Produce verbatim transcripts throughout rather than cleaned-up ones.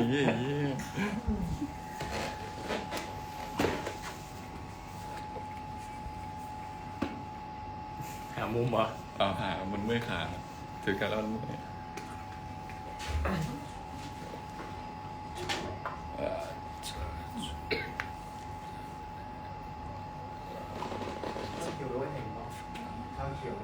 เหี้ยหามุมเหรอเอาหามันเมื่อยขาถือการแล้วมันเมื่อยเอ่อเขียวด้วยเห็นป่ะข้าวเขียว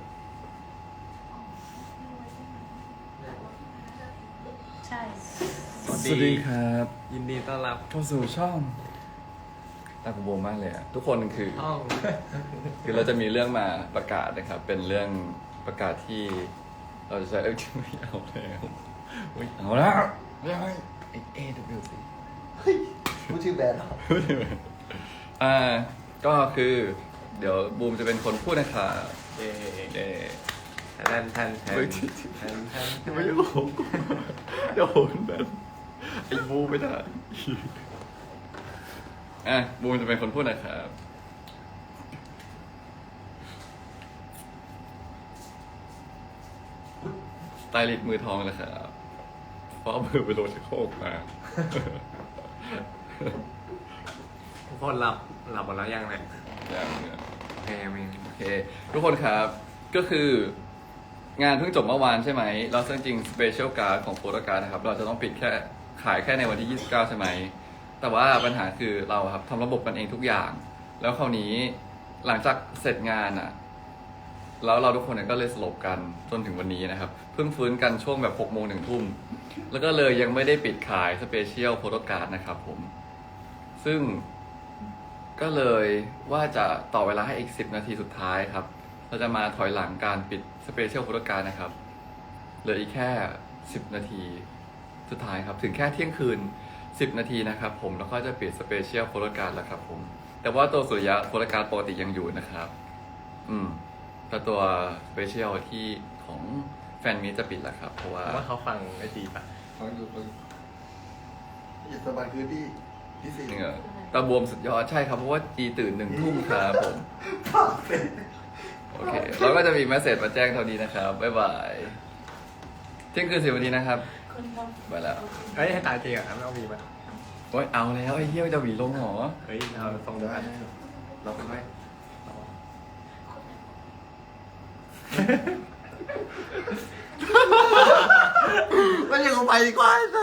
ใช่สวัสดีครับยินดีต้อนรับเข้าสู่ช่องตากูโบมากเลยอะทุกคนคือห้องคือเราจะมีเรื่องมาประกาศนะครับ เป็นเรื่องประกาศที่เราจะใช้เอ้ยไม่เอาแล้วอุ๊ยเอาแล้วไม่เอาเอเอวสิพูดชื่อแบรนด์เหรออ่าก็คือ เดี๋ยวบูมจะเป็นคนพูดนะครับเย่เอแทนแทนแทนเฮ้ยแทนแทนไม่รู้เดี๋ยวโหนแบบไอ้บูมไม่ได้อ่ะบูมจะเป็นคนพูดนะครับสไตลิสต์มือทองนะครับเพราะเอามือไปโดนชักโครกมาทุกคนหลับหลับหมดแล้วยังเนี่ยอย่างเนี้ยโอเคมีโอเค ทุกคนครับก็คืองานเพิ่งจบเมื่อวานใช่ไหมแล้วซึ่งจริงสเปเชียลการ์ดของโฟโต้การ์ดนะครับ เราจะต้องปิดแค่ขายแค่ในวันที่ยี่สิบเก้าใช่ไหม แต่ว่าปัญหาคือเราครับทำระบบกันเองทุกอย่าง แล้วคราวนี้หลังจากเสร็จงานอ่ะ แล้วเราทุกคนเนี่ยก็เลยสลบกันจนถึงวันนี้นะครับ เพิ่งฟื้นกันช่วงแบบหกโมงถึงทุ่ม แล้วก็เลยยังไม่ได้ปิดขายสเปเชียลโฟโต้การ์ดนะครับผม ซึ่งก็เลยว่าจะต่อเวลาให้อีกสิบนาทีสุดท้ายครับ เราจะมาถอยหลังการปิดสเปเชียลโฟโต้การ์ดนะครับ เหลืออีกแค่สิบนาทีสุดท้ายครับ ถึงแค่เที่ยงคืนสิบนาทีนะครับผม แล้วก็จะปิดสเปเชียลโฟโต้การ์ดแล้วครับผม แต่ว่าตัวสุริยะโฟโต้การ์ดปกติยังอยู่นะครับ อืม แต่ตัวสเปเชียลที่ของแฟนมีจะปิดแล้วครับ เพราะว่าว่าเขาฟังไม่ดีป่ะฟังดูฟังอิสบายคือที่ที่สี่จริงเหรอตาบวมสุดยอดใช่ครับ เพราะว่าจีตื่นหนึ่งทุ่มครับผมฝากเป็นโอเค แล้วก็จะมีแมสเซจมาแจ้งเท่านี้นะครับ บ๊ายบาย เที่ยงคืนสิบนาทีนะครับคนทไปแล้วเฮ้ยให้ตายจริงอ่ะไม่ต้องมีป่ะโอ้ยเอาแล้วไอ้เหี้ยจะหวีลงเหรอเฮ้ยเราตรงกันเราเป็นไหมไม่ยังเอาไปดีกว่า